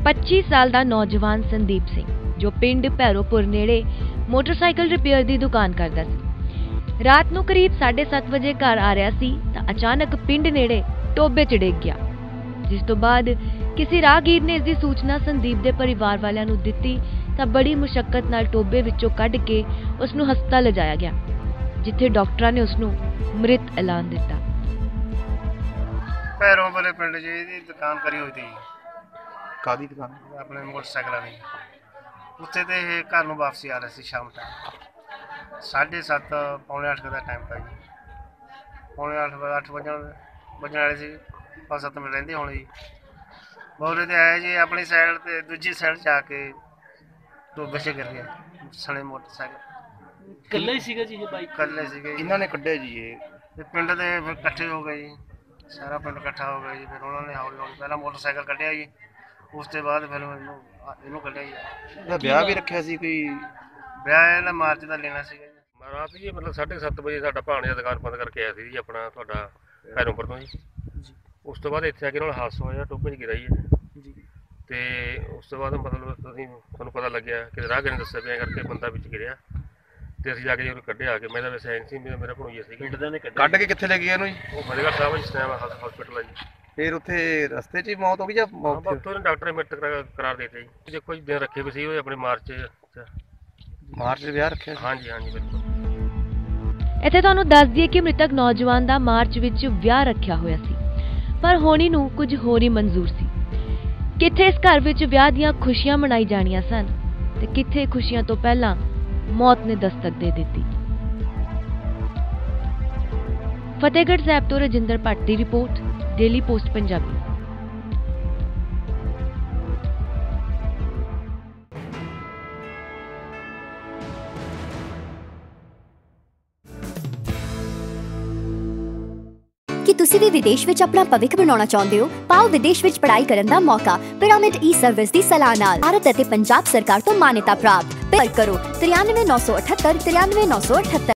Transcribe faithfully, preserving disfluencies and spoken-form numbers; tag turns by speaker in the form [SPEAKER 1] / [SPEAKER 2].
[SPEAKER 1] पच्चीस साल का नौजवान संदीप सिंह जो पिंड भैरोपुर नेड़े मोटरसाइकिल रिपेयर की दुकान करता सी। रात नूं करीब साढ़े सत्त बजे घर आ रहा सी तां अचानक पिंड नेड़े टोबे च डिग गया, जिस तो बाद किसी राहगीर ने इसकी सूचना संदीप के परिवार वालियां नूं दित्ती तां बड़ी मुशक्कत नाल टोबे विचों कढ के उसनूं हस्पताल लिजाया गया, जिथे डॉक्टरां ने उसनूं मृत ऐलान दिता।
[SPEAKER 2] भैरोपुर पिंड जी दी दुकान करी हुई थी।
[SPEAKER 3] कादी दुकान?
[SPEAKER 2] अपने मोटरसाइकिल की। उत्थे ते घर नूं वापसी आ रहे थे शाम टाइम साढ़े सत्त पौने अठ का टाइम था जी। पौने अठ अठ बजन बजन वाले सी, पाँच सत्त मिनट रहिंदे होणे जी। बौले ते आए जी, अपनी साइड ते दूजी साइड जाके टोबे च गिर गया सने मोटरसाइकिल।
[SPEAKER 4] कल्ले सीगा जी ये बाइक?
[SPEAKER 2] कल्ले सीगे।
[SPEAKER 3] इन्हां ने कड्ढिया जी ये?
[SPEAKER 2] ते पिंड दे फिर इकट्ठे हो गए जी, सारा पिंड इकट्ठा हो गया जी। फिर उन्होंने हौली हौली पहला मोटरसाइकिल कढ़िया जी, उसके बाद फिर इनू इनू कढ़िया जी।
[SPEAKER 3] ਇਹਦਾ ਵਿਆਹ ਵੀ ਰੱਖਿਆ ਸੀ ਕੋਈ?
[SPEAKER 2] ਵਿਆਹ ਇਹਦਾ ਮਾਰਚ ਦਾ ਲੈਣਾ ਸੀਗਾ ਜੀ।
[SPEAKER 5] रात जी मतलब साढ़े सत्त बजे साडा भाणजा दुकान बंद करके आया जी अपना तुहाडा भैरोपुर तो जी। उस तो बाद इत्थे आके नाल हादसा होया, टोबे च गिरा जी जी। ते उस तो बाद मतलब असीं सानूं पता लग्गिया कि राहगीर ने दस्सिया भी ऐं करके बंदा विच गिरिया ते असीं जाके जदों कड्ढिआ आके मैं तां वैसे ऐं सी, मेरा भणोईया सीगा।
[SPEAKER 4] पिंड दे ने
[SPEAKER 3] ਕੱਢ ਕੇ ਕਿੱਥੇ ਲੈ ਗਏ ਇਹਨੂੰ ਜੀ?
[SPEAKER 5] ਉਹ ਫਤਿਹਗੜ੍ਹ ਸਾਹਿਬ ਜਿਸ ਟਾਈਮ ਹਸਪੀਟਲ ਆ ਜੀ।
[SPEAKER 3] ਫਿਰ ਉੱਥੇ ਰਸਤੇ 'ਚ ਹੀ ਮੌਤ ਹੋ ਗਈ ਜਾਂ
[SPEAKER 5] ਹਾਂ,
[SPEAKER 3] ਮੌਤ?
[SPEAKER 5] ਉੱਥੋਂ ਨੇ ਡਾਕਟਰ ਨੇ ਮ੍ਰਿਤਕ ਕਰਾ- ਕਰਾਰ ਦੇ ਦਿੱਤਾ ਜੀ। ਦੇਖੋ ਜੀ ਦਿਨ ਰੱਖੇ ਵੀ ਸੀ ਉਹ ਆਪਣੇ ਮਾਰਚ 'ਚ।
[SPEAKER 3] ਮਾਰਚ 'ਚ ਵਿਆਹ ਰੱਖਿਆ ਸੀ?
[SPEAKER 5] ਹਾਂਜੀ ਹਾਂਜੀ ਬਿਲਕੁਲ।
[SPEAKER 1] ਇੱਥੇ ਤੁਹਾਨੂੰ ਦੱਸ ਦਈਏ ਕਿ ਮ੍ਰਿਤਕ ਨੌਜਵਾਨ ਦਾ ਮਾਰਚ ਵਿੱਚ ਵਿਆਹ ਰੱਖਿਆ ਹੋਇਆ ਸੀ, ਪਰ ਹੋਣੀ ਨੂੰ ਕੁਝ ਹੋਰ ਹੀ ਮਨਜ਼ੂਰ ਸੀ। ਕਿੱਥੇ ਇਸ ਘਰ ਵਿੱਚ ਵਿਆਹ ਦੀਆਂ ਖੁਸ਼ੀਆਂ ਮਨਾਈ ਜਾਣੀਆਂ ਸਨ ਤੇ ਕਿੱਥੇ ਖੁਸ਼ੀਆਂ ਤੋਂ ਪਹਿਲਾਂ ਮੌਤ ਨੇ ਦਸਤਕ ਦੇ ਦਿੱਤੀ। ਫਤਿਹਗੜ੍ਹ ਸਾਹਿਬ ਤੋਂ ਰਜਿੰਦਰ ਭੱਟ ਦੀ ਰਿਪੋਰਟ, ਡੇਲੀ ਪੋਸਟ ਪੰਜਾਬੀ।
[SPEAKER 6] कि तुसी भी विदेश विच अपना भविख बनाना चाहते हो? पाओ विदेश विच पढ़ाई करन दा मौका पिरामिड ई सर्विस दी सलाह नाल। भारत अते पंजाब सरकार तो मान्यता प्राप्त। पर करो तिरानवे नौ सौ अठहत्तर तिरानवे नौ सौ अठहत्तर।